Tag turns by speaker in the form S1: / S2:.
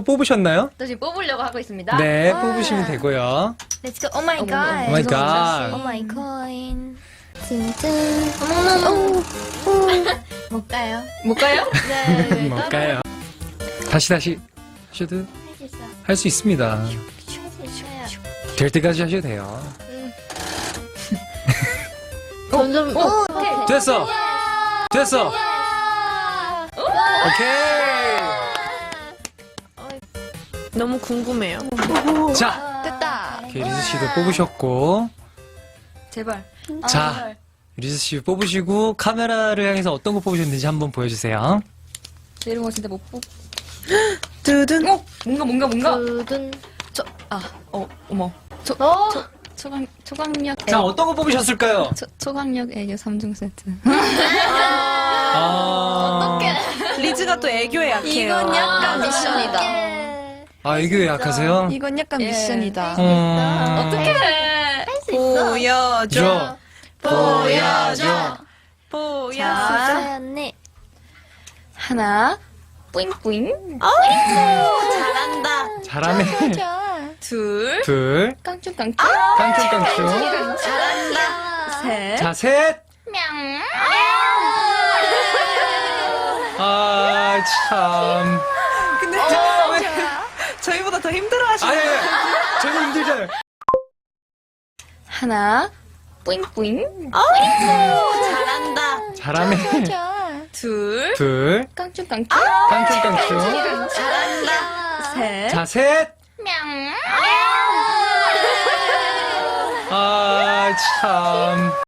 S1: 뽑으셨나요?
S2: 저 지금 뽑으려고 하고 있습니다.
S1: 네, 뽑으시면 되고요.
S3: Let's go. Oh my god.
S1: Oh my god.
S3: Oh my coin. 짠짠. 어머나. 못 가요.
S2: 못 가요?
S3: 네.
S1: 뭘까요? 다시 하셔도 할 수 있습니다. 될 때까지 하셔도 돼요.
S3: 점점. 오케이.
S1: 됐어! 됐어! 오케이!
S4: 너무 궁금해요.
S1: 자,
S3: 됐다.
S1: 오케이, 리즈 씨도 뽑으셨고.
S2: 제발.
S1: 자, 리즈 씨 뽑으시고 카메라를 향해서 어떤 거 뽑으셨는지 한번 보여주세요.
S2: 저 이런 거 진짜 못 뽑.
S4: 두둔.
S2: 뭔가.
S3: 두둔.
S2: 어머. 초강력.
S1: 자, 어떤 거 뽑으셨을까요?
S2: 초강력 애교 3종 세트.
S4: 리즈가 또 애교에 약해요.
S2: 이건 약간 미션이다.
S1: 아, 애교에 약하세요?
S2: 이건 약간 미션이다.
S1: 어떻게?
S4: 보여줘.
S1: 보여줘.
S4: 보여줘.
S3: 사연이.
S2: 하나. 뿌잉뿌잉.
S4: 잘한다.
S1: 잘하네.
S4: 둘.
S1: 둘.
S2: 깡충깡충.
S1: 깡충깡충.
S4: 잘한다.
S2: 셋.
S1: 자, 셋. 아, 참.
S4: 근데 왜 저희보다 더 힘들어 하시네.
S1: 아니, 저도 힘들잖아요.
S2: 하나. 뿌잉뿌잉.
S4: 잘한다.
S1: 잘하네.
S4: 둘.
S1: 둘.
S2: 깡충깡충.
S1: 깡충깡충.
S4: 잘한다.
S2: 셋.
S1: 자, 셋. 아, 참.